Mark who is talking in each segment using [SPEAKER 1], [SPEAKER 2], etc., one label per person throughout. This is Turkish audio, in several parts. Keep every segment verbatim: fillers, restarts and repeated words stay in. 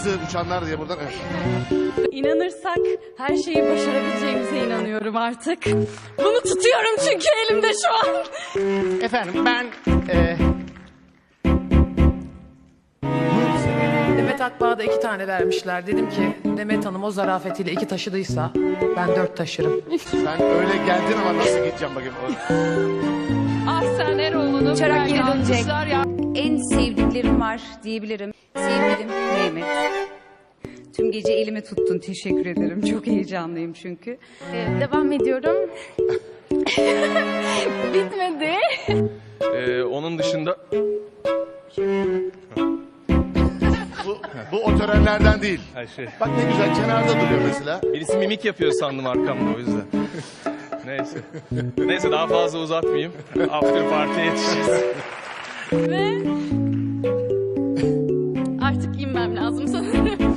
[SPEAKER 1] hızlı uçanlar diye buradan. Evet.
[SPEAKER 2] İnanırsak her şeyi başarabileceğimize inanıyorum artık. Bunu tutuyorum çünkü elimde şu an.
[SPEAKER 1] Efendim ben... E...
[SPEAKER 3] Demet Akbağ'a da iki tane vermişler. Dedim ki Demet Hanım o zarafetiyle iki taşıdıysa ben dört taşırım.
[SPEAKER 1] Sen öyle geldin ama nasıl gideceğim bakayım.
[SPEAKER 2] Ah sen Eroğlu'nun
[SPEAKER 4] Uçarak geri dönecek.
[SPEAKER 2] ya.
[SPEAKER 4] En sevdiklerim var diyebilirim. Sevgilim Mehmet. Tüm gece elimi tuttun. Teşekkür ederim. Çok heyecanlıyım çünkü.
[SPEAKER 2] Ee, devam ediyorum. Bitmedi.
[SPEAKER 5] Ee, onun dışında
[SPEAKER 1] Bu, bu o törenlerden değil.
[SPEAKER 5] her şey.
[SPEAKER 1] Bak ne güzel kenarda duruyor mesela.
[SPEAKER 5] Birisi mimik yapıyor sandım arkamda o yüzden. Neyse. Neyse daha fazla uzatmayayım. After party'ye yetişeceğiz.
[SPEAKER 2] Ve artık inmem lazım sanırım.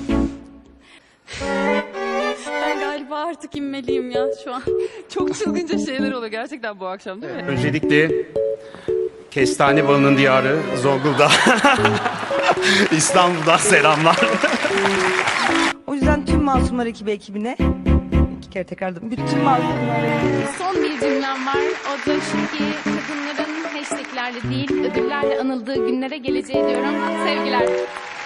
[SPEAKER 2] Ben galiba artık inmeliyim ya şu an.
[SPEAKER 6] Çok çılgınca şeyler oluyor gerçekten bu akşam değil mi?
[SPEAKER 7] Öncelikle Kestane Balı'nın diyarı Zonguldak, İstanbul'dan selamlar.
[SPEAKER 8] O yüzden tüm Masumlar ekibi ekibine iki kere tekrarladım. Bütün Masumlar ekibi.
[SPEAKER 2] Son bir cümlem var. O da şu ki kadınların hashtaglerle değil ödüllerle anıldığı günlere geleceği diyorum. Sevgiler.